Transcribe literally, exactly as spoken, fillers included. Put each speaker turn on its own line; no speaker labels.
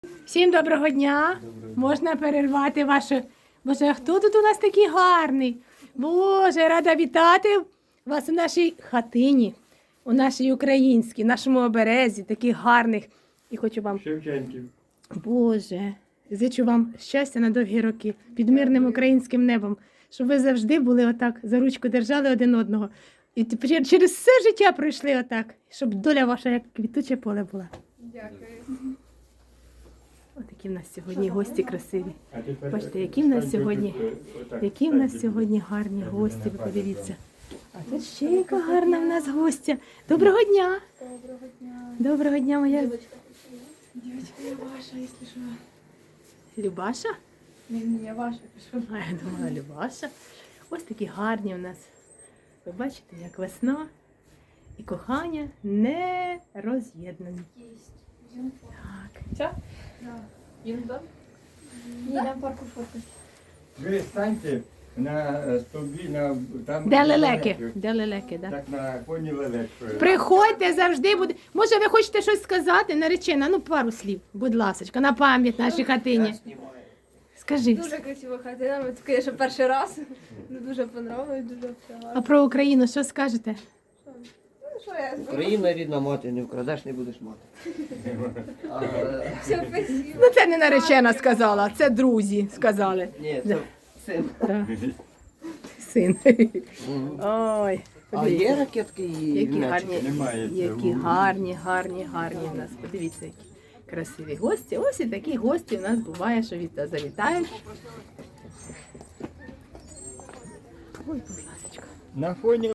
Всім доброго дня. Можна перервати ваше. Боже, а хто тут у нас такий гарний? Боже, рада вітати вас у нашій хатині, у нашій українській, нашому оберезі, таких гарних. І хочу вам,
Шевченків.
Боже, зичу вам щастя на довгі роки під мирним українським небом, щоб ви завжди були отак, за ручку держали один одного. І тепер через все життя пройшли отак, щоб доля ваша як квітуче поле була.
Дякую.
Отакі в нас сьогодні гості красиві.
А тепер
Бачите, які в нас
станьте
сьогодні,
тут, отак,
які в нас
станьте.
сьогодні гарні гості, ви подивіться. А тут ще яка гарна в нас гостя. Доброго дня!
Доброго дня.
Доброго дня, моя
Дівчинка, я ваша, якщо що.
Любаша?
Ні, ні, я ваша, пишу.
А я думала, Любаша. Ось такі гарні в нас. Ви бачите, як весна і кохання не роз'єднані.
Єсть.
Так.
Все? Да. Їм да? Ні, на парку фоткать.
Ви станьте на е, стовбі, на там.
Де лелеки? Де лелеки, да?
Так на коні лелек.
Приходьте, завжди буде. Може, ви хочете щось сказати, наречена? Ну, пару слів, будь ласочка, на пам'ять нашій хатині. Скажи.
Дуже красива хатина, ми тут, звісно, перший раз. Ну, дуже понравилось, дуже все
А
гарно.
про Україну що скажете?
Ну, що я скажу?
Україна рідна мати, не вкрадеш, не будеш мати. А, е,
Все, спасибо.
Ну, це не наречена сказала, це друзі сказали.
Ні, це син.
Так. Син. Ой,
А
подивіться.
є ракетки і
Які
м'ячики?
гарні,
Немає
які
цього.
гарні, гарні, гарні у нас. Подивіться, які красиві гості. Ось і такі гості у нас буває, що від завітають. Ой, будь ласка.
На фоні